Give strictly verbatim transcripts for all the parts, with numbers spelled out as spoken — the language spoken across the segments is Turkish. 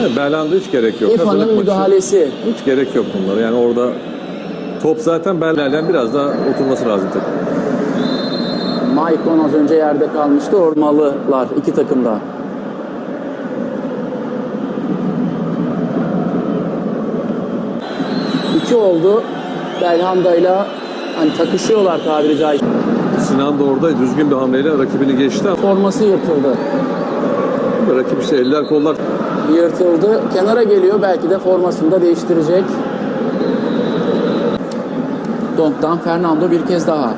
Belhanda hiç gerek yok. İrfan'ın müdahalesi. Hiç gerek yok bunlara. Yani orada top zaten Belhanda'dan biraz daha oturması lazım takım. Maicon az önce yerde kalmıştı. Ormalılar iki takımda. İki oldu. Belhanda'yla hani takışıyorlar tabiri caizse. Sinan da orada düzgün bir hamleyle rakibini geçti ama Forması yırtıldı. rakip işte eller kollar. Yırtıldı. Kenara geliyor. Belki de formasını da değiştirecek. Donk'tan Fernando bir kez daha.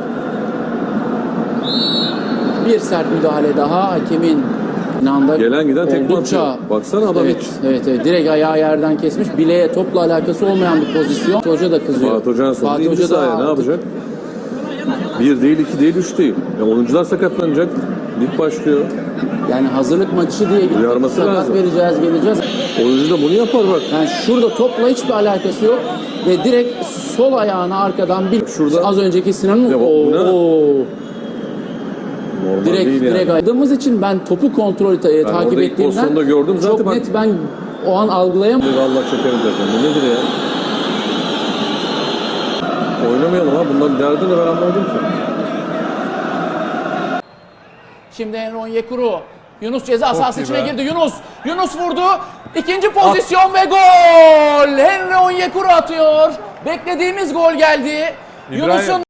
Bir sert müdahale daha. Hakemin inanda Gelen giden tekme oldukça... atıyor. Baksana adam Evet, hiç. evet, evet. Direkt ayağı yerden kesmiş. Bileğe topla alakası olmayan bir pozisyon. Fatih Hoca da kızıyor. Fatih Hoca'nın sonunda Fatih indi Hoca da sahaya. Ne yapacak? Bir değil, iki değil, üç değil. Ya oyuncular sakatlanacak. Lig başlıyor. Yani hazırlık maçı diye gittik. Uyarması Sakat lazım. vereceğiz, geleceğiz. Oyuncu da bunu yapar bak. Yani şurada topla hiçbir alakası yok. Ve direkt sol ayağını arkadan bir... Şurada- Az önceki Sinan'ın... Ya bu- bu ne? Oo. Normal Direkt, değil direkt yani. aydığımız için ben topu kontrol ta- takip orada ilk ettiğimden pozisyonda gördüm zaten çok bak- net ben o an algılayamadım. Allah çekerim zaten. Bu nedir ya? Oynamayalım ha. Bunların derdi ne ben anlamadım ki. Şimdi Henry Onyekuru. Yunus ceza sahası iyi içine be. girdi. Yunus. Yunus vurdu. İkinci pozisyon ve gol. Henry Onyekuru atıyor. Beklediğimiz gol geldi. İbrahim. Yunus'un